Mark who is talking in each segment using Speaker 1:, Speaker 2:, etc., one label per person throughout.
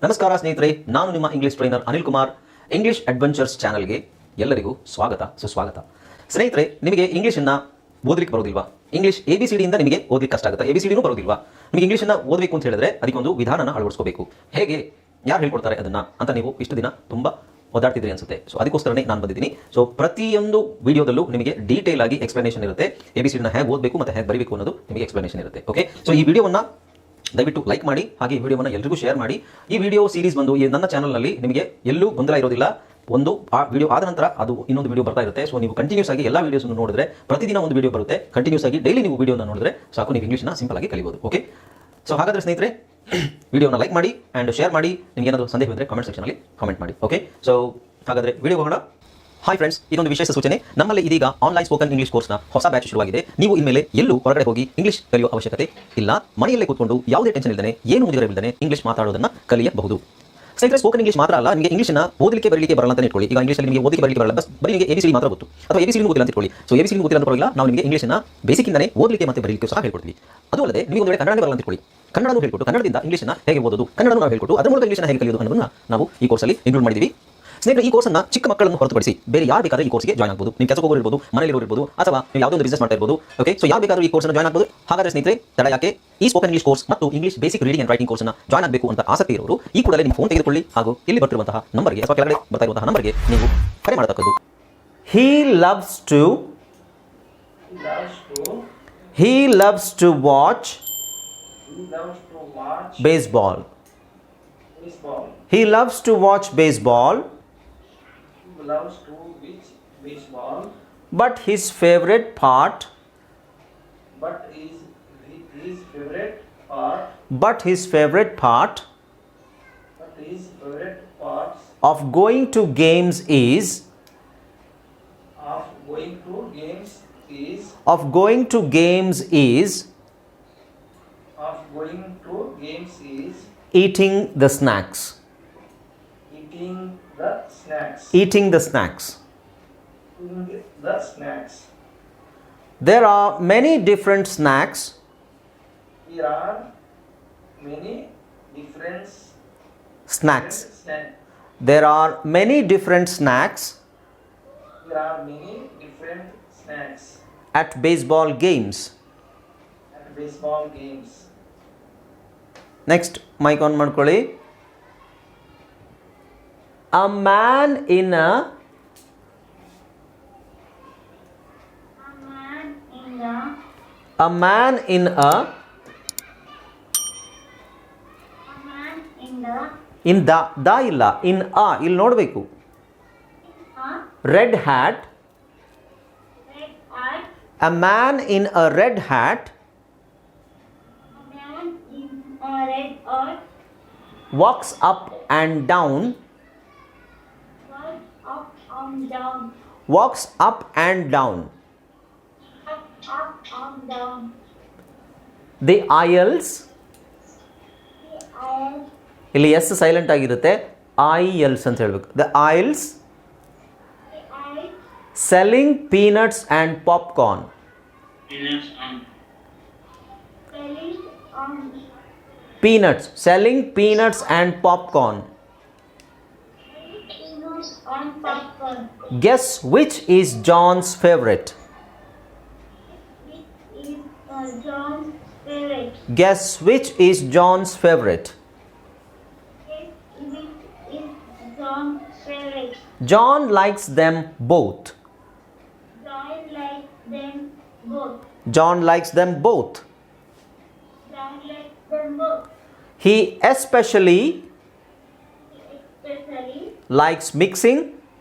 Speaker 1: ನಮಸ್ಕಾರ ಸ್ನೇಹಿತರೆ, ನಾನು ನಿಮ್ಮ English trainer Anil Kumar. English adventures ಚಾನಲ್ಗೆ ಎಲ್ಲರಿಗೂ ಸ್ವಾಗತ ಸುಸ್ವಾಗತ. ಸ್ನೇಹಿತರೆ, ನಿಮಗೆ ಇಂಗ್ಲಿಷನ್ನು ಓದಲಿಕ್ಕೆ ಬರೋದಿಲ್ವಾ? ಇಂಗ್ಲಿಷ್ ABCD ಇಂದ ನಿಮಗೆ ಓದಲಿಕ್ಕೆ ಕಷ್ಟ ಆಗುತ್ತೆ. ABCDನೂ ಬರೋದಿಲ್ವಾ? ನಿಮಗೆ ಇಂಗ್ಲಿಷನ್ನು ಓದಬೇಕು ಅಂತ ಹೇಳಿದ್ರೆ ಅದಕ್ಕೊಂದು ವಿಧಾನನ ಅಳವಡಿಸ್ಕೋಬೇಕು. ಹೇಗೆ, ಯಾರು ಹೇಳ್ಕೊಡ್ತಾರೆ ಅದನ್ನು ಅಂತ ನೀವು ಇಷ್ಟು ದಿನ ತುಂಬ ಓದಾಡ್ತಿದ್ರಿ ಅನ್ಸುತ್ತೆ. ಸೊ ಅದಕ್ಕೋಸ್ಕರನೇ ನಾನು ಬಂದಿದ್ದೀನಿ. ಸೊ ಪ್ರತಿಯೊಂದು ವಿಡಿಯೋದಲ್ಲೂ ನಿಮಗೆ ಡೀಟೇಲ್ ಆಗಿ ಎಕ್ಸ್ಪ್ಲನೇಷನ್ ಇರುತ್ತೆ. ABCDನ ಹೇಗೆ ಓದಬೇಕು ಮತ್ತು ಹೇಗೆ ಬರೀಬೇಕು ಅನ್ನೋದು ನಿಮಗೆ ಎಕ್ಸ್ಪ್ಲನೇಷನ್ ಇರುತ್ತೆ. ಓಕೆ, ಸೊ ಈ ವಿಡಿಯೋವನ್ನು ದಯವಿಟ್ಟು ಲೈಕ್ ಮಾಡಿ, ಹಾಗೆ ಈ ವಿಡಿಯೋವನ್ನು ಎಲ್ಲರಿಗೂ ಶೇರ್ ಮಾಡಿ. ಈ ವಿಡಿಯೋ ಸೀರೀಸ್ ಬಂದು ನನ್ನ ಚಾನಲ್ನಲ್ಲಿ ನಿಮಗೆ ಎಲ್ಲೂ ಗೊಂದಲ ಇರೋದಿಲ್ಲ. ಒಂದು ಆ ವಿಡಿಯೋ ಆದ ನಂತರ ಅದು ಇನ್ನೊಂದು ವಿಡಿಯೋ ಬರ್ತಾ ಇರುತ್ತೆ. ಸೊ ನೀವು ಕಂಟಿನ್ಯೂಸ್ ಆಗಿ ಎಲ್ಲ ವಿಡಿಯೋಸನ್ನು ನೋಡಿದ್ರೆ, ಪ್ರತಿದಿನ ಒಂದು ವಿಡಿಯೋ ಬರುತ್ತೆ. ಕಂಟಿನ್ಯೂಸ್ ಆಗಿ ಡೈಲಿ ನೀವು ವಿಡಿಯೋನ ನೋಡಿದ್ರೆ ಸಾಕು, ನೀವು ಇಂಗ್ಲೀಷ್ನ ಸಿಂಪಲ್ ಆಗಿ ಕಲಿಬಹುದು. ಓಕೆ, ಸೊ ಹಾಗಾದರೆ ಸ್ನೇಹಿತರೆ, ವಿಡಿಯೋನ ಲೈಕ್ ಮಾಡಿ ಆ್ಯಂಡ್ ಶೇರ್ ಮಾಡಿ. ನಿಮಗೆ ಏನಾದರೂ ಸಂದೇಹ ಇದ್ದರೆ ಕಮೆಂಟ್ ಸೆಕ್ಷನಲ್ಲಿ ಕಮೆಂಟ್ ಮಾಡಿ. ಓಕೆ, ಸೊ ಹಾಗಾದರೆ ವಿಡಿಯೋ ಹೋಗೋಣ. ಹಾಯ್ ಫ್ರೆಂಡ್ಸ್, ಇದೊಂದು ವಿಶೇಷ ಸೂಚನೆ. ನಮ್ಮಲ್ಲಿ ಇದೀಗ ಆನ್ಲೈನ್ ಸ್ಪೋಕನ್ ಇಂಗ್ಲಿಷ್ ಕೋರ್ಸ್ನ ಹೊಸ ಬ್ಯಾಚ್ ಶುರುವಾಗಿದೆ. ನೀವು ಇನ್ಮೇಲೆ ಎಲ್ಲೂ ಹೊರಗಡೆ ಹೋಗಿ ಇಂಗ್ಲಿಷ್ ಕಲಿಯುವ ಅವಶ್ಯಕತೆ ಇಲ್ಲ. ಮನೆಯಲ್ಲೇ ಕೂತ್ಕೊಂಡು ಯಾವುದೇ ಟೆನ್ಷನ್ ಇಲ್ಲದೆ, ಏನು ಮುಗಿದರೆ ಇಲ್ಲದೆ ಇಂಗ್ಲಿಷ್ ಮಾತಾಡೋದನ್ನು ಕಲಿಯಬಹುದು. ಸ್ನೇಹಿತರೆ, ಸ್ಪೋಕನ್ ಇಂಗ್ಲಿಷ್ ಮಾತ್ರ ಅಲ್ಲ, ನಿಮಗೆ ಇಂಗ್ಲಿಷ್ನ ಓದಲಿಕ್ಕೆ ಬರಲಿಕ್ಕೆ ಬರಲ್ಲ ಅಂತ ಇಟ್ಕೊಳ್ಳಿ. ಈಗ ಇಂಗ್ಲಿಷಲ್ಲಿ ನಿಮಗೆ ಓದಲಿಕ್ಕೆ ಬರಲಿಕ್ಕೆ ಬರಲ್ಲ, ಬರೀ ನಿಮಗೆ ABCD ಮಾತ್ರ ಗೊತ್ತು, ಅಥವಾ ABCD ಗೊತ್ತಿಲ್ಲ ಅಂತ ಇಟ್ಕೊಳ್ಳಿ. ಸೊ ABCD ಗೊತ್ತಿಲ್ಲ ಅಂತ ಬರಲ್ಲ, ನಾವು ನಿಮಗೆ ಇಂಗ್ಲಿಷ್ನ ಬೇಸಿಕ್ಕಿಂದನೇ ಓದಲಿಕ್ಕೆ ಮತ್ತು ಬರಲಿಕ್ಕೆ ಸಹ ಹೇಳ್ಕೊಡ್ತೀವಿ. ಅದು ಅಲ್ಲದೆ ನಿಮಗೆ ಒಂದು ವೇಳೆ ಕನ್ನಡ ಬರಲ್ಲ ಅಂತ ಇಟ್ಕೊಳ್ಳಿ, ಕನ್ನಡನೂ ಹೇಳ್ಕೊಟ್ಟು ಕನ್ನಡದಿಂದ ಇಂಗ್ಲಿಷ್ನ ಹೇಗೆ ಓದೋದು, ಕನ್ನಡನೂ ನಾವು ಹೇಳ್ಕೊಟ್ಟು ಅದರ ಮೂಲಕ ಇಂಗ್ಲಿಷ್ನ ಹೇಗೆ ಕಲಿಯೋದು ಅನ್ನೋದನ್ನು ನಾವು ಈ ಕೋರ್ಸಲ್ಲಿ ಇನ್ಕ್ಲೂಡ್ ಮಾಡಿದ್ದೀವಿ. ಸ್ನೇಹಿತರೆ, ಈ ಕೋರ್ಸನ್ನು ಚಿಕ್ಕ ಮಕ್ಕಳನ್ನು ಹೊರತುಪಡಿಸಿ ಬೇರೆ ಯಾರು ಬೇಕಾದರೂ ಈ ಕೋರ್ಸ್ಗೆ ಜಾಯ್ನ್ ಆಗಬಹುದು. ನೀವು ಕೆಲಸ ಹೋಗೋರು ಇರ್ಬೋದು, ಮನೆಯಲ್ಲಿ ಇರ್ಬೋದು, ಅಥವಾ ನೀವು ಯಾವುದೋ ಒಂದು ಬಿಸ್ನೆಸ್ ಮಾಡ್ತಾ ಇರ್ಬೋದು. ಓಕೆ, ಸೊ ಯಾರು ಬೇಕಾದರೂ ಈ ಕೋರ್ಸ್ನ ಜಾಯ್ನ್ ಆಗಬಹುದು. ಹಾಗಾದರೆ ಸ್ನೇಹಿತರೆ, ತಡ ಯಾಕೆ? ಈ ಸ್ಪೋಕನ್ ಇಂಗ್ಲಿಷ್ ಕೋರ್ಸ್ ಮತ್ತು English basic reading and writing ಕೋರ್ಸ್ನ ಜಾಯ್ನ್ ಆಗಬೇಕು ಅಂತ ಆಸಕ್ತಿ ಇರೋರು ಈ ಕೂಡಲೇ ನಿಮ್ಮ ಫೋನ್ ತೆಗೆದುಕೊಳ್ಳಿ, ಹಾಗೂ ಇಲ್ಲಿ ಬರ್ತಿರುವಂತಹ ನಂಬರ್ಗೆ ಅಥವಾ ಕೆಳಗಡೆ ಬರ್ತಾ ಇರುವಂತಹ ನಂಬರ್ಗೆ ನೀವು ಕರೆ ಮಾಡತಕ್ಕದ್ದು. He loves to watch baseball. He loves to watch baseball. But his favorite part of going to games is eating the snacks. There are many different snacks. There are many different snacks at baseball games. Next, mic on ಮಾಡ್ಕೊಳ್ಳಿ. A man in a in the ಇಲ್ಲ, in a ಇಲ್ಲಿ ನೋಡಬೇಕು. red hat. A man in a red hat walks up and down. The aisles. ಇಲ್ಲಿ S silent ಆಗಿರುತ್ತೆ, IELS ಅಂತ ಹೇಳಬೇಕು. The aisles selling peanuts and popcorn. Selling peanuts and popcorn. Guess which is John's favorite? Guess which is John's favorite? John likes them both. He especially likes mixing.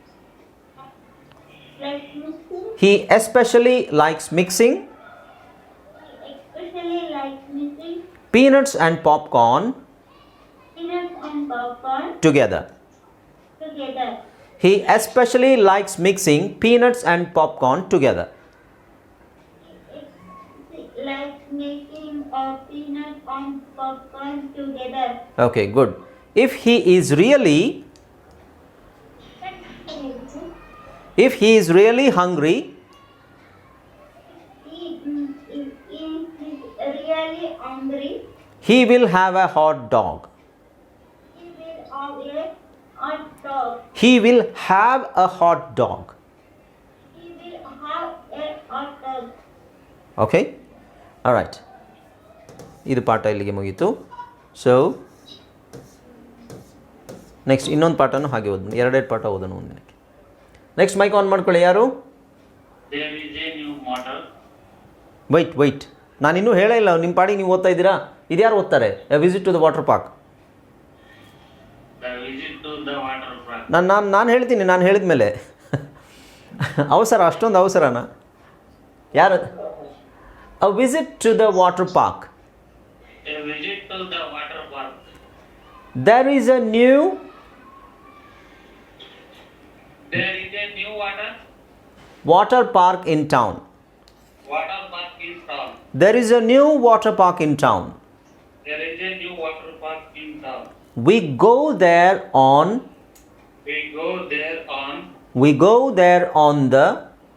Speaker 1: Peanuts and popcorn together. He especially likes mixing peanuts and popcorn together.
Speaker 2: Likes making peanut and popcorn together.
Speaker 1: Okay, good. If he is really hungry, he will have a hot dog.
Speaker 2: have a hot dog.
Speaker 1: He will have a hot dog.
Speaker 2: He will have a hot dog.
Speaker 1: Okay right, ಇದು ಪಾಠ ಇಲ್ಲಿಗೆ ಮುಗೀತು. So next ಇನ್ನೊಂದು ಪಾಠನೂ ಹಾಗೆ ಓದೋಣ, ಎರಡೆರಡು ಪಾಠ ಓದೋಣ ಒಂದು ದಿನಕ್ಕೆ. ನೆಕ್ಸ್ಟ್ ಮೈಕ್ ಆನ್ ಮಾಡ್ಕೊಳ್ಳಿ. ಯಾರು?
Speaker 3: There is a new model.
Speaker 1: Wait ನಾನು ಇನ್ನೂ ಹೇಳೇ ಇಲ್ಲ, ನಿಮ್ಮ ಪಾಡಿಗೆ ನೀವು ಓದ್ತಾ ಇದ್ದೀರಾ. ಇದ್ಯಾರು ಓದ್ತಾರೆ? A visit to the water park.
Speaker 3: The visit to the water park.
Speaker 1: ನಾನು ಹೇಳ್ತೀನಿ, ನಾನು ಹೇಳಿದ ಮೇಲೆ ಅವಸರ, ಅಷ್ಟೊಂದು ಅವಸರನಾ? ಯಾರು? A visit to the water park.
Speaker 3: A visit to the water park.
Speaker 1: There is a new
Speaker 3: There is a new
Speaker 1: water park in town.
Speaker 3: water park in town.
Speaker 1: There is a new water park in town.
Speaker 3: There is a new water park in town.
Speaker 1: We go there on
Speaker 3: We go there on
Speaker 1: we go there on the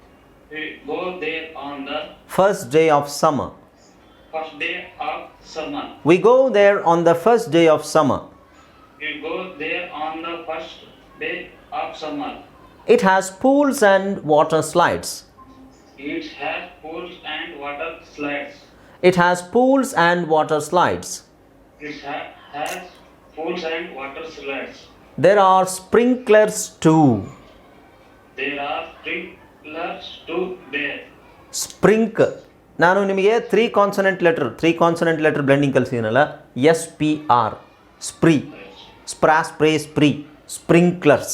Speaker 1: first day of summer.
Speaker 3: first day of summer.
Speaker 1: We go there on the first day of summer.
Speaker 3: We go there on the first day of summer.
Speaker 1: It has pools and water slides.
Speaker 3: It has pools and water slides.
Speaker 1: It has pools and water slides.
Speaker 3: It has pools and water slides.
Speaker 1: There are sprinklers too.
Speaker 3: There are sprinklers too there.
Speaker 1: Sprink. ನಾನು ನಿಮಗೆ three consonant letter blending ಕಲಿಸಿದ್ದೀನಲ್ಲ, SPR, spree, spray, sprinklers.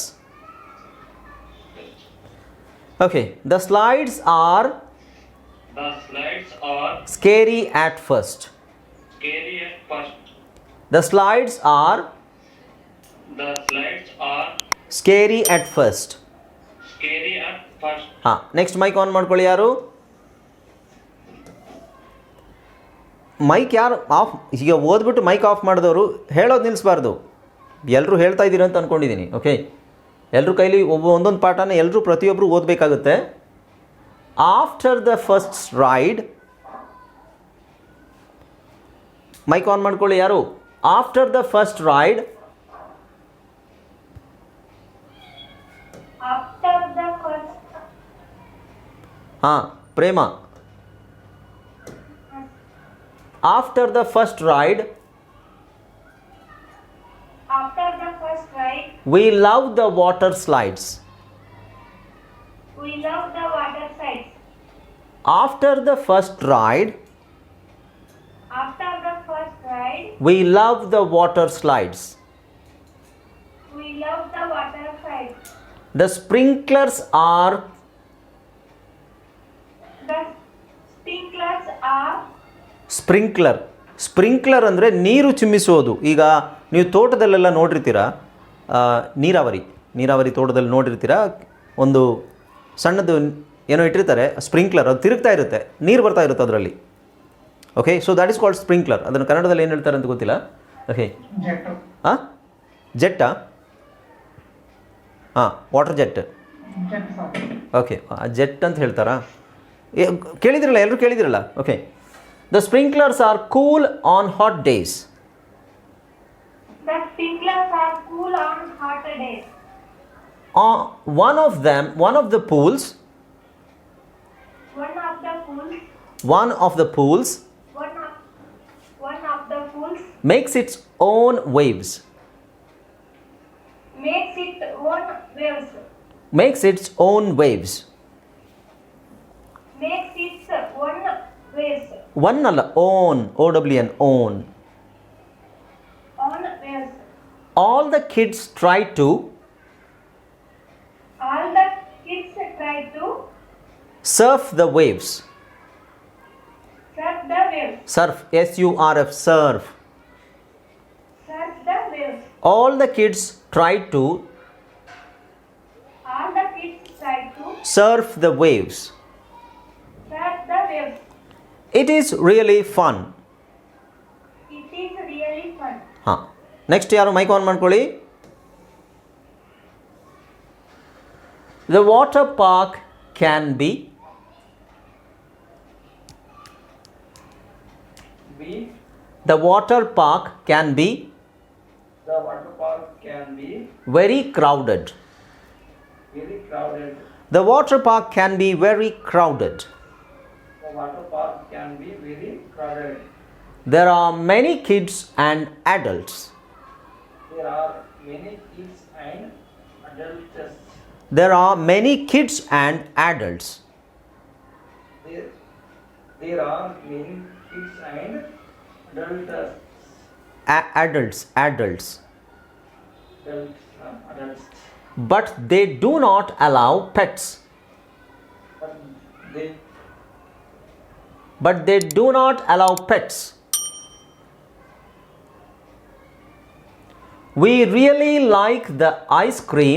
Speaker 1: Okay, the slides are
Speaker 3: The slides are
Speaker 1: ಸ್ಕೇರಿ ಆಟ್ ಫಸ್ಟ್.
Speaker 3: scary at first.
Speaker 1: The slides are
Speaker 3: The slides are
Speaker 1: ಸ್ಕೇರಿ ಅಟ್ ಫಸ್ಟ್.
Speaker 3: scary at first.
Speaker 1: ಹಾಂ, ನೆಕ್ಸ್ಟ್ ಮೈಕ್ ಆನ್ ಮಾಡ್ಕೊಳ್ಳಿ. ಯಾರು ಮೈಕ್ ಯಾರು ಆಫ್? ಈಗ ಓದ್ಬಿಟ್ಟು ಮೈಕ್ ಆಫ್ ಮಾಡಿದವರು ಹೇಳೋದು ನಿಲ್ಲಿಸಬಾರ್ದು. ಎಲ್ಲರೂ ಹೇಳ್ತಾ ಇದ್ದೀರ ಅಂತ ಅಂದ್ಕೊಂಡಿದ್ದೀನಿ. ಓಕೆ, ಎಲ್ಲರೂ ಕೈಲಿ ಒಂದೊಂದು ಪಾಠನ ಎಲ್ಲರೂ ಪ್ರತಿಯೊಬ್ಬರು ಓದಬೇಕಾಗುತ್ತೆ. After the first ride, mic on ಮಾಡ್ಕೊಳ್ಳಿ. ಯಾರು? After the first ride,
Speaker 2: After the first,
Speaker 1: ಹಾಂ Prema, after the first ride
Speaker 2: after the first ride,
Speaker 1: we love the water slides.
Speaker 2: we love the water slides.
Speaker 1: After the first ride,
Speaker 2: After the first ride,
Speaker 1: we love the water slides.
Speaker 2: we love the water slides.
Speaker 1: The sprinklers are
Speaker 2: The sprinklers are
Speaker 1: sprinkler ಅಂದರೆ ನೀರು ಚಿಮ್ಮಿಸೋದು. ಈಗ ನೀವು ತೋಟದಲ್ಲೆಲ್ಲ ನೋಡಿರ್ತೀರ, ನೀರಾವರಿ ತೋಟದಲ್ಲಿ ನೋಡಿರ್ತೀರ, ಒಂದು ಸಣ್ಣದು ಏನೋ ಇಟ್ಟಿರ್ತಾರೆ ಸ್ಪ್ರಿಂಕ್ಲರ್, ಅದು ತಿರುಗ್ತಾ ಇರುತ್ತೆ, ನೀರು ಬರ್ತಾ ಇರುತ್ತೆ ಅದರಲ್ಲಿ. Okay, so that is called sprinkler. ಅದನ್ನು ಕನ್ನಡದಲ್ಲಿ ಏನು ಹೇಳ್ತಾರೆ ಅಂತ ಗೊತ್ತಿಲ್ಲ. ಓಕೆ, ಹಾಂ, ಜೆಟ್ಟಾ? ಹಾಂ, ವಾಟರ್ ಜೆಟ್. ಓಕೆ, ಜೆಟ್ ಅಂತ ಹೇಳ್ತಾರಾ? ಕೇಳಿದಿರಲ್ಲ, ಎಲ್ಲರೂ ಕೇಳಿದಿರಲ್ಲ. Okay, the sprinklers are cool on hot days.
Speaker 2: the sprinklers are cool on hot days.
Speaker 1: One of the pools
Speaker 2: One of the pools
Speaker 1: makes its own waves.
Speaker 2: makes its own waves.
Speaker 1: Makes its own waves.
Speaker 2: Makes its own waves.
Speaker 1: One ಅಲ್ಲ, own, OWN, own.
Speaker 2: On waves.
Speaker 1: All the kids try to
Speaker 2: All the kids try to
Speaker 1: surf the waves.
Speaker 2: surf the waves.
Speaker 1: Surf, SURF, surf.
Speaker 2: Surf the waves.
Speaker 1: All the kids try to
Speaker 2: All the kids try to
Speaker 1: surf the waves.
Speaker 2: surf the waves.
Speaker 1: It is really fun.
Speaker 2: It is really fun.
Speaker 1: ಹಾಂ, next ಯಾರು mic on ಮಾಡ್ಕೊಳ್ಳಿ. The water park can be The water park can be
Speaker 3: The water park can be
Speaker 1: very crowded.
Speaker 3: very crowded.
Speaker 1: The water park can be very crowded.
Speaker 3: The water park can be very crowded.
Speaker 1: There are many kids and adults.
Speaker 3: There are many kids and adults.
Speaker 1: There are many kids and adults.
Speaker 3: There are many kids and adults.
Speaker 1: Adults.
Speaker 3: Adults.
Speaker 1: But they do not allow pets.
Speaker 3: But they
Speaker 1: Do not allow pets. We really like the ice cream.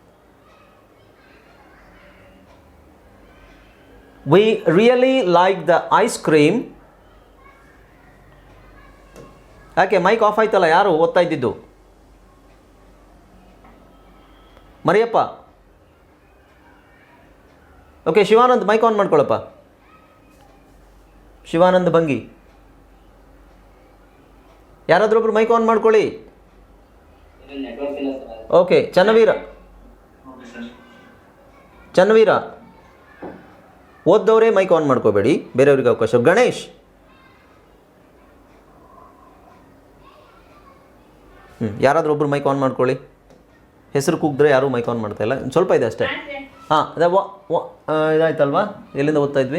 Speaker 1: We really like the ice cream. ಯಾಕೆ mic off ಆಯ್ತಲ್ಲ, ಯಾರು ಓದ್ತಾ ಇದ್ದಿದ್ದು? Mariyappa. Okay, Shivanand mic on ಮಾಡ್ಕೊಳ್ಳಪ್ಪ. ಶಿವಾನಂದ್ ಭಂಗಿ, ಯಾರಾದ್ರೂ ಒಬ್ರು mic on ಮಾಡ್ಕೊಳ್ಳಿ. Okay, Channaveera ಓದ್ದವರೇ ಮೈಕ್ ಆನ್ ಮಾಡ್ಕೋಬೇಡಿ, ಬೇರೆಯವ್ರಿಗೆ ಅವಕಾಶ. ಗಣೇಶ್, ಯಾರಾದರೂ ಒಬ್ರು ಮೈಕ್ ಆನ್ ಮಾಡ್ಕೊಳ್ಳಿ. ಹೆಸರು ಕೂಗಿದ್ರೆ ಯಾರೂ ಮೈಕ್ ಆನ್ ಮಾಡ್ತಾ ಇಲ್ಲ, ಸ್ವಲ್ಪ ಇದೆ ಅಷ್ಟೇ. ಹಾಂ, ಅದೇ ಇದಾಯ್ತಲ್ವಾ? ಎಲ್ಲಿಂದ ಓದ್ತಾ ಇದ್ವಿ?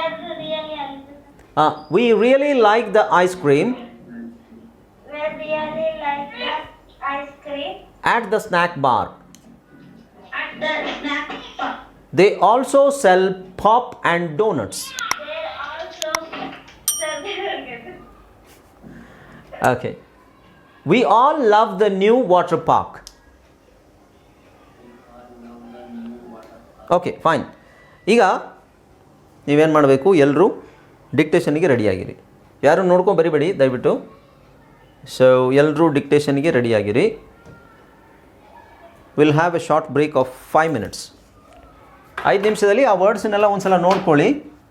Speaker 1: We really like the ice cream at the snack bar. They also sell pop and donuts. Okay. We all love the new water park. Okay, fine. ಈಗ ನೀವೇನು ಮಾಡಬೇಕು, ಎಲ್ಲರೂ ಡಿಕ್ಟೇಷನ್ಗೆ ರೆಡಿಯಾಗಿರಿ. ಯಾರು ನೋಡ್ಕೊಂಡು ಬರಿಬೇಡಿ ದಯವಿಟ್ಟು. ಸೊ ಎಲ್ಲರೂ ಡಿಕ್ಟೇಷನ್ಗೆ ರೆಡಿಯಾಗಿರಿ. Will have a short break of 5 minutes. 5 ನಿಮಿಷದಲ್ಲಿ ಆ ವರ್ಡ್ಸನ್ನೆಲ್ಲ ಒಂದು ಸಲ ನೋಡ್ಕೊಳ್ಳಿ.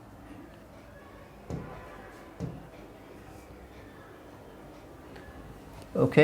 Speaker 1: ಓಕೆ,